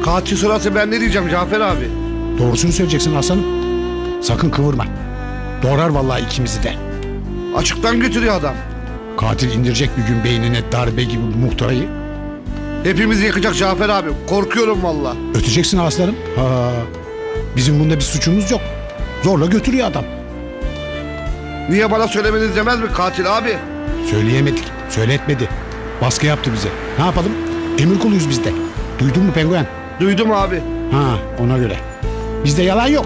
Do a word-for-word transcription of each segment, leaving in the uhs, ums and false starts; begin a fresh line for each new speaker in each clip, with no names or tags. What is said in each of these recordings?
Katil sorarsa ben ne diyeceğim Cafer abi?
Doğrusunu söyleyeceksin aslanım. Sakın kıvırma. Doğrar vallahi ikimizi de.
Açıktan götürüyor adam.
Katil indirecek bir gün beynine darbe gibi bu muhtarayı.
Hepimizi yakacak Cafer abi. Korkuyorum valla.
Öteceksin aslanım. Ha. Bizim bunda bir suçumuz yok. Zorla götürüyor adam.
Niye bana söylemeniz demez mi katil abi?
Söyleyemedik. Söyletmedi. Baskı yaptı bize. Ne yapalım? Emir kuluyuz biz de. Duydun mu penguen?
Duydum abi.
Ha, ona göre. Bizde yalan yok.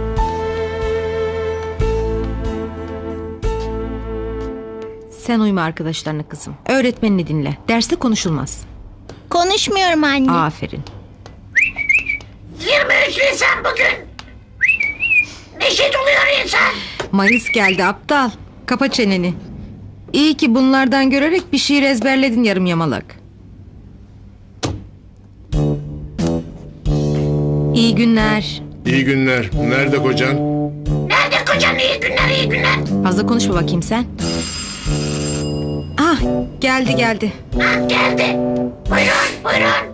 Sen uyma arkadaşlarına kızım. Öğretmenini dinle. Derste konuşulmaz.
Konuşmuyorum anne.
Aferin.
yirmi üç Nisan bugün. Neşet oluyor insan.
Mayıs geldi aptal. Kapa çeneni. İyi ki bunlardan görerek bir şiir ezberledin yarım yamalak. İyi günler.
İyi günler. Nerede kocan?
Nerede kocan? İyi günler, iyi günler.
Fazla konuşma bakayım sen. Ah, geldi geldi.
Ha, geldi. Buyurun, buyurun.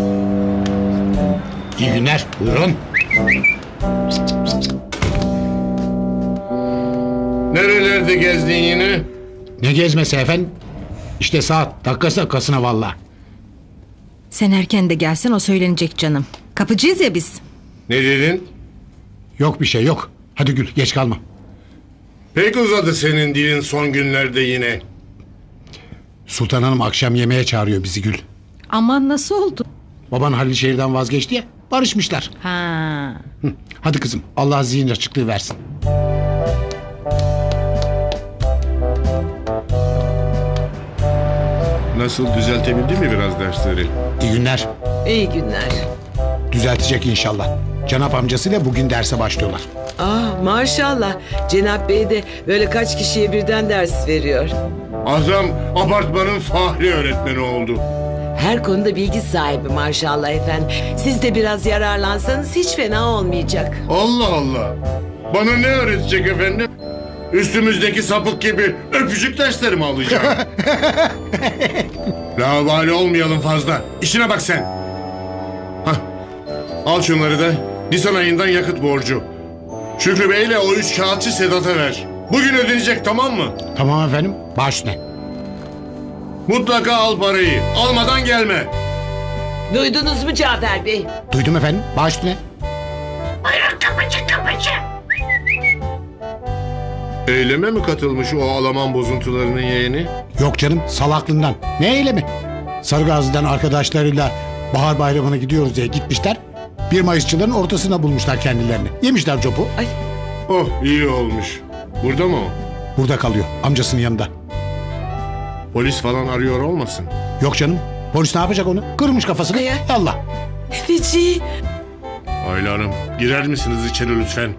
İyi günler. Buyurun.
Nerelerde gezdin yine?
Ne gezmesi efendim? İşte saat dakikası dakikasına valla.
Sen erken de gelsen o söylenecek canım. Kapıcıyız ya biz.
Ne dedin?
Yok bir şey yok. Hadi Gül geç kalma.
Pek uzadı senin dilin son günlerde yine.
Sultan Hanım akşam yemeğe çağırıyor bizi Gül.
Aman nasıl oldu?
Baban Halil şehirden vazgeçti ya. Barışmışlar.
Ha.
Hı, hadi kızım Allah zihin açıklığı versin.
Nasıl, düzeltebildin mi biraz dersleri?
İyi günler.
İyi günler.
Düzeltecek inşallah. Cenap amcasıyla bugün derse başlıyorlar.
Ah maşallah. Cenap Bey de böyle kaç kişiye birden ders veriyor.
Adam apartmanın fahri öğretmeni oldu.
Her konuda bilgi sahibi maşallah efendim. Siz de biraz yararlansanız hiç fena olmayacak.
Allah Allah. Bana ne öğretecek efendim? Üstümüzdeki sapık gibi öpücük dersleri mi alacağım? Lavali olmayalım fazla. İşine bak sen. Hah. Al şunları da Nisan ayından yakıt borcu. Şükrü Bey'le o üç kağıtçı Sedat'a ver. Bugün ödenecek, tamam mı?
Tamam efendim baş üstüne.
Mutlaka al parayı. Almadan gelme.
Duydunuz mu Cafer Bey?
Duydum efendim baş üstüne.
Buyurun kapıcı, kapıcı.
Eyleme mi katılmış o Alaman bozuntularının yeğeni?
Yok canım salaklığından. Ne eylemi? Sarıgazi'den arkadaşlarıyla bahar bayramına gidiyoruz diye gitmişler. Bir Mayısçıların ortasına bulmuşlar kendilerini. Yemişler copu.
Ay
Oh, iyi olmuş. Burada mı o?
Burada kalıyor amcasının yanında.
Polis falan arıyor olmasın?
Yok canım. Polis ne yapacak onu? Kırmış kafasını.
Ay, ay.
Allah.
feci.
Ayla Hanım, girer misiniz içeri lütfen?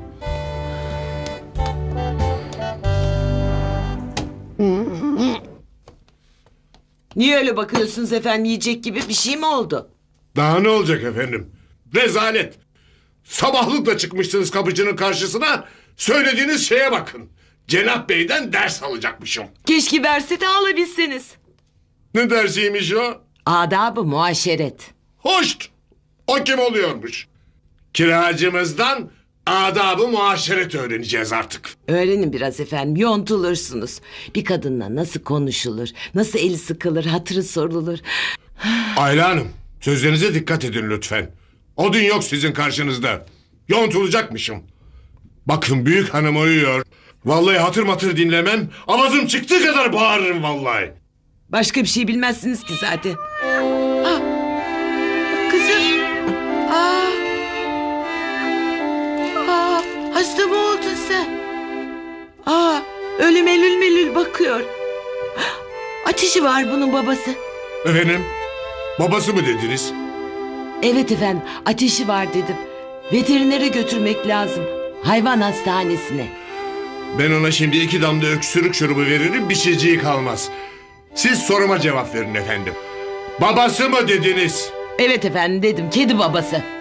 Niye öyle bakıyorsunuz efendim, yiyecek gibi bir şey mi oldu?
Daha ne olacak efendim? Rezalet! Sabahlıkla çıkmışsınız kapıcının karşısına, söylediğiniz şeye bakın. Cenap Bey'den ders alacakmışım.
Keşke verse de alabilseniz.
Ne dersiymiş o?
Adab-ı muaşeret.
Hoşt! O kim oluyormuş? Kiracımızdan adab-ı muaşeret öğreneceğiz artık.
Öğrenin biraz efendim, yontulursunuz. Bir kadınla nasıl konuşulur, nasıl eli sıkılır, hatırı sorulur.
Ayla Hanım, sözlerinize dikkat edin lütfen. O dün yok sizin karşınızda. Yontulacakmışım. Bakın büyük hanım uyuyor. Vallahi hatır matır dinlemem. Avazım çıktığı kadar bağırırım vallahi.
Başka bir şey bilmezsiniz ki zaten. Ah, kızım. Aa, aa, hasta mı oldun sen? Aa, öyle melül melül bakıyor. Ateşi var bunun babası.
Efendim? Babası mı dediniz?
Evet efendim, ateşi var dedim. Veterinere götürmek lazım. Hayvan hastanesine.
Ben ona şimdi iki damla öksürük şurubu veririm, bir şeyciği kalmaz. Siz soruma cevap verin efendim. Babası mı dediniz?
Evet efendim dedim, kedi babası.